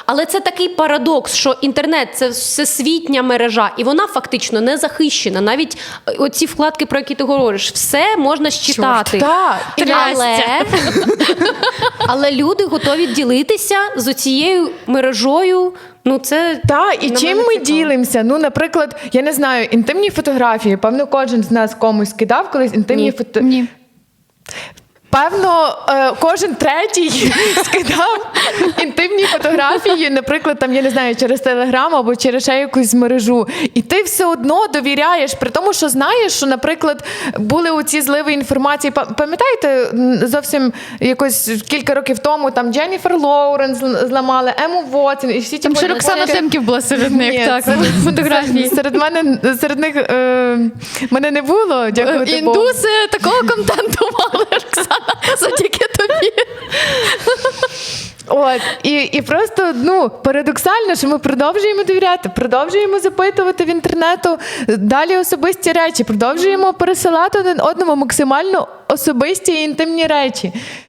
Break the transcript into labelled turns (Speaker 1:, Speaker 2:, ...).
Speaker 1: Але це такий парадокс, що інтернет – це всесвітня мережа, і вона фактично не захищена. Навіть оці вкладки, про які ти говориш, все можна считати. Але люди готові ділитися з оцією мережою. Ну, це
Speaker 2: і чим ми ділимося? Ну, наприклад, я не знаю, інтимні фотографії. Певно, кожен з нас комусь кидав колись інтимні фотографії.
Speaker 3: Ні.
Speaker 2: Певно, кожен третій скидав інтимні фотографії, наприклад, там, я не знаю, через Телеграм або через ще якусь мережу. І ти все одно довіряєш, при тому, що знаєш, що, наприклад, були оці зливи інформації. Пам'ятаєте, зовсім якось кілька років тому там Дженніфер Лоуренс зламали, Ему Вотсон і всі ті...
Speaker 3: Там ще Роксана Темків була серед них, так, фотографії.
Speaker 2: Серед них мене не було, дякувати Богу.
Speaker 3: Індуси такого контенту мали, Роксана, завдяки тобі.
Speaker 2: І просто, парадоксально, що ми продовжуємо довіряти, продовжуємо запитувати в інтернету далі особисті речі, продовжуємо пересилати один одному максимально особисті і інтимні речі.